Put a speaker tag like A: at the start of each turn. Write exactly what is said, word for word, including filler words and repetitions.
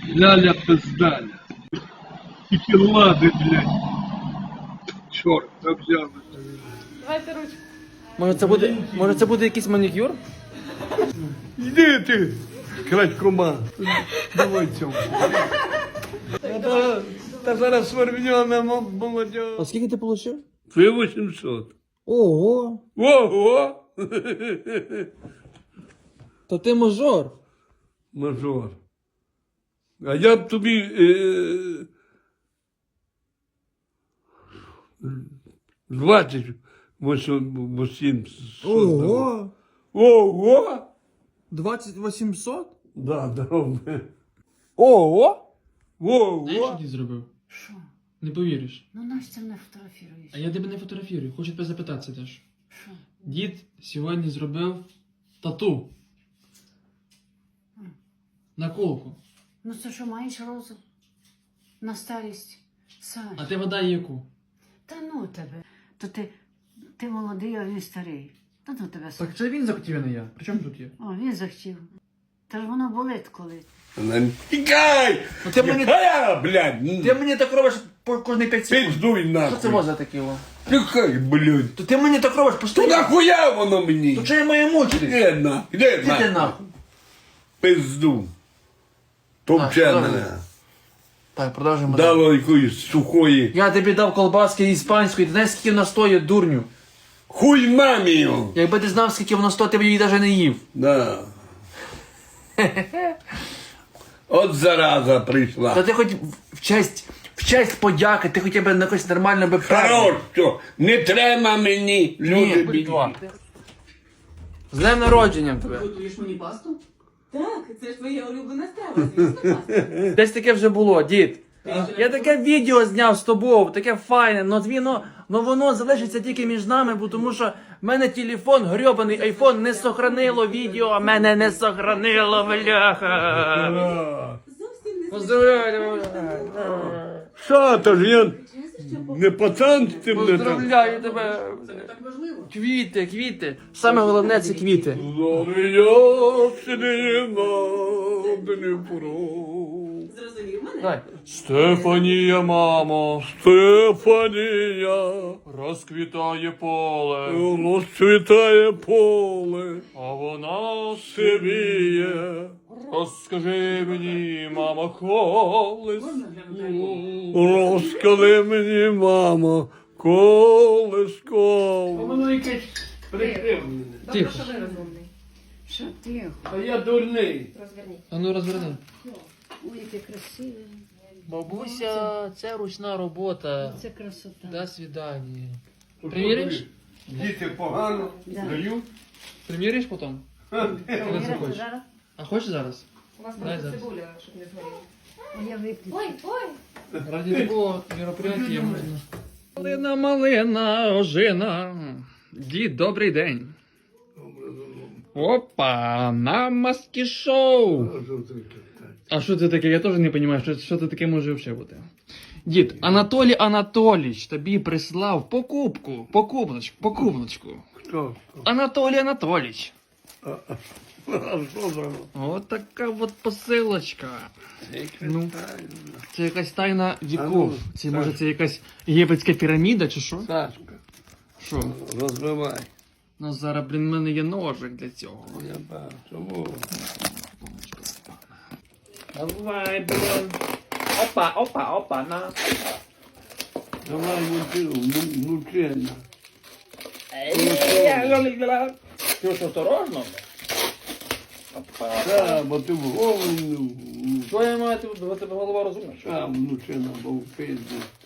A: Ляля пиздаля. Тільки лади, блядь. Чорт, взяли.
B: Давайте ручку.
C: Може це буде, може це буде якийсь манікюр?
A: Йди ти, крадькома. Давай цьому. Та, та зараз свербньона молодь.
C: А скільки ти отримав?
A: Три вісімсот.
C: Ого!
A: Ого!
C: То ти мажор.
A: Мажор. А я б тобі е, двадцять вісім.
C: Ого!
A: Ого!
C: двадцять вісімсот?
A: Да, здорово.
C: Ого!
A: Ого!
C: Знаєш, що ти зробив?
D: Що?
C: Не повіриш.
D: Ну Настя не фотографіруєш.
C: А я тебе не фотографірую, хочу тебе запитатися теж.
D: Що?
C: Дід сьогодні зробив тату. На колку.
D: Ну це що, маєш розум? На старість? Саш.
C: А ти вода яку?
D: Та ну тебе. То ти, ти молодий, а він старий. Та ну тебе, Саш.
C: Так це він захотів, а не я. При чому тут є?
D: О, він захотів. Та ж воно болить коли.
A: Тікай!
C: Ну, ти мені-
A: Яка, блядь?
C: Ти мені так робиш по кожний п'ять секунд.
A: Пиздуй
C: Що
A: нахуй.
C: це може таке? о?
A: Тікай, блядь.
C: То ти мені так робиш
A: То
C: постійно.
A: нахуя воно мені?
C: То чого я маю мучитись?
A: Іди нахуй, іди
C: Іди ти
A: нахуй.
C: нахуй.
A: Пизду.
C: Так,
A: Топче
C: добре.
A: мене.
C: Так, продовжуємо. далі.
A: Дало якоїсь сухої.
C: Я тобі дав колбаски іспанської, ти знаєш, скільки вона стоїть, дурню?
A: Хуй мамі його.
C: Якби ти знав, скільки воно стоїть, ти б її навіть не їв.
A: Да. От зараза
C: Та
A: прийшла.
C: ти хоч в честь, в честь подяки, ти хоча б на якось нормально би
A: Хорош, що не треба мені, люди бідні.
C: З днем народженням тебе.
B: Готуєш мені пасту? Так, це ж твоя улюблена страва, звісно, паста.
C: Десь таке вже було, дід. Я таке відео зняв з тобою, таке файне, но воно, но воно залишиться тільки між нами, бо тому що в мене телефон, грьобаний айфон, не сохранило відео, а мене не сохранило, бляха.
B: Зовсім не
C: Поздравляю,
A: Що, то ж я не пацан з цим не так.
C: поздравляю тебе.
B: Це не так важливо.
C: Квіти, квіти. Саме головне це квіти.
B: Зрозумів мене?
C: Давай.
A: Стефанія, мамо, Стефанія,
C: Розквітає поле,
A: розцвітає поле,
C: а вона
A: сивіє.
C: Розкажи мені, мама, колись.
B: Можна глянути?
A: Розкажи мені, мамо, колисков.
C: Воно якесь прикривлене.
B: Добре,
C: Тихо.
B: що ви розумний.
D: Що тихо?
A: А я дурний.
B: Розверніть.
C: А ну розверни.
D: Ой, яке красиве.
C: Бабуся, це ручна робота.
D: Це красота.
C: До свидання. Приміриш?
A: Діти погано
D: Да.
A: дають.
C: Приміриш потім? Коли захочеш.
D: Зараз?
C: А хочеш зараз?
B: У вас
C: Дай
B: просто
C: зараз.
B: цибуля, щоб не згоріла.
D: А я виключу.
B: Ой, ой.
C: Ради такого мероприятия можна. Малина, малина, ожина. Дід, добрий день. Опа, на маски шоу. А що це таке? Я теж не розумію, що, що це таке може взагалі бути. Дід, Анатолій Анатолійович тобі прислав покупку, покупночку, покупночку.
A: Хто?
C: Анатолій Анатолійович.
A: А що за?
C: От така от посилочка. Ну, це якась тайна
A: А ну,
C: віков. Це
A: так.
C: може це якась єгипетська піраміда чи що?
A: Сашка,
C: Що?
A: розбивай.
C: Ну зараз, блін, в мене є ножик для цього.
A: Я бачу. Чому?
C: Давай, блін. Опа, опа, опа, на.
A: Давай мучена.
C: Ти що, осторожно?
A: Так, бо ти в голову.
C: Що я маю, у тебе голова розумна?
A: А, мучена, бо в пизді.